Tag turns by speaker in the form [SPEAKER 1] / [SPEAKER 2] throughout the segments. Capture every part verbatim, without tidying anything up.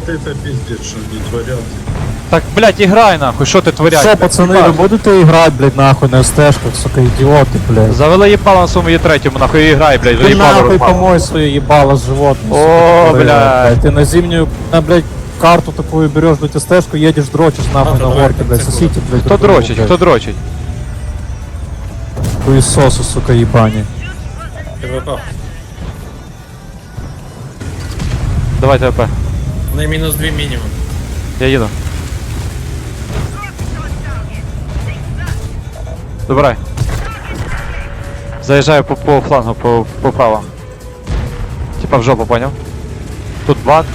[SPEAKER 1] это пиздец, что не творят.
[SPEAKER 2] Так, блядь, играй нахуй, що ти творять?
[SPEAKER 3] Що,
[SPEAKER 2] блядь,
[SPEAKER 3] пацани, ви
[SPEAKER 2] їбаш?
[SPEAKER 3] будете грати, блядь, нахуй на СТшках, сука, ідіоти, блядь.
[SPEAKER 2] Завели їбало на своєму є третьому, нахуй і грай, блядь, вже
[SPEAKER 3] Ти
[SPEAKER 2] їбало
[SPEAKER 3] нахуй
[SPEAKER 2] розмало.
[SPEAKER 3] помой своє їбало животное.
[SPEAKER 2] О,
[SPEAKER 3] сука, тупорылое,
[SPEAKER 2] блядь.
[SPEAKER 3] Ты на зимнюю, на, блядь, карту такую берешь, блядь, СТшку, едешь, дрочишь нахуй
[SPEAKER 4] Ладно,
[SPEAKER 3] на
[SPEAKER 4] давай,
[SPEAKER 3] горке, блядь,
[SPEAKER 4] так,
[SPEAKER 3] сосите, блядь.
[SPEAKER 2] Хто
[SPEAKER 3] друг другу,
[SPEAKER 2] дрочить,
[SPEAKER 3] блядь.
[SPEAKER 2] хто дрочить?
[SPEAKER 3] Хуесосы, сука, ебани.
[SPEAKER 4] ТВП.
[SPEAKER 2] Давай ТВП,
[SPEAKER 4] На мінус два мінімум.
[SPEAKER 2] я їду. Добирай. Заїжджаю по, по флангу, по, по право. Типа в жопу, понял? Тут бат.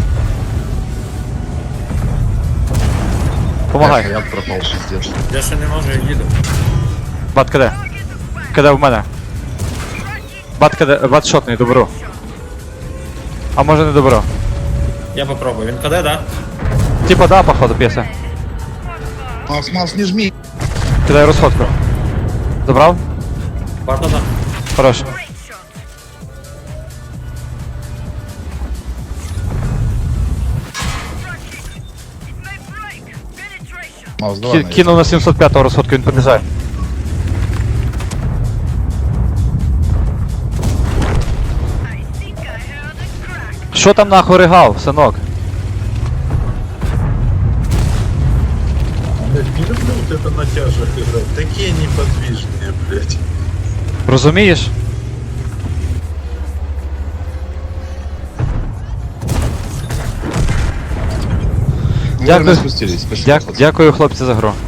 [SPEAKER 2] Помагай.
[SPEAKER 5] Я пропал, пиздец.
[SPEAKER 4] Я ще не можу, я їду.
[SPEAKER 2] Бат КД. КД в мене. Бат КД, бат шотний, добро. А може не добро.
[SPEAKER 4] Я попробую. Він КД, да?
[SPEAKER 2] Типа да, походу, п'єса.
[SPEAKER 5] Макс, Макс, не жми.
[SPEAKER 2] Кидаю розходку. Забрав?
[SPEAKER 4] Барда, да.
[SPEAKER 2] Хорош.
[SPEAKER 5] Макс, давай.
[SPEAKER 2] Ки-
[SPEAKER 5] на
[SPEAKER 2] Кинув на сімсот п'ятого розходку, він підлізає. Що там нахуй ригав, синок?
[SPEAKER 1] Блядь, не люблю вот это на тяжах играть. Такие неподвижные, блядь.
[SPEAKER 2] Розумієш?
[SPEAKER 5] Мы
[SPEAKER 2] Дякую.
[SPEAKER 5] вовремя спустились. Спасибо.
[SPEAKER 2] Дя- дякую, хлопці, за гру.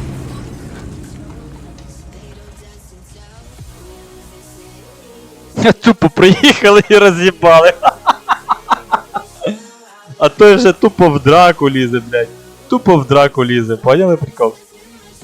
[SPEAKER 2] Тупо приїхали і роз'їбали. А той вже тупо в драку лізе, блядь. Тупо в драку лізе, поняли прикол?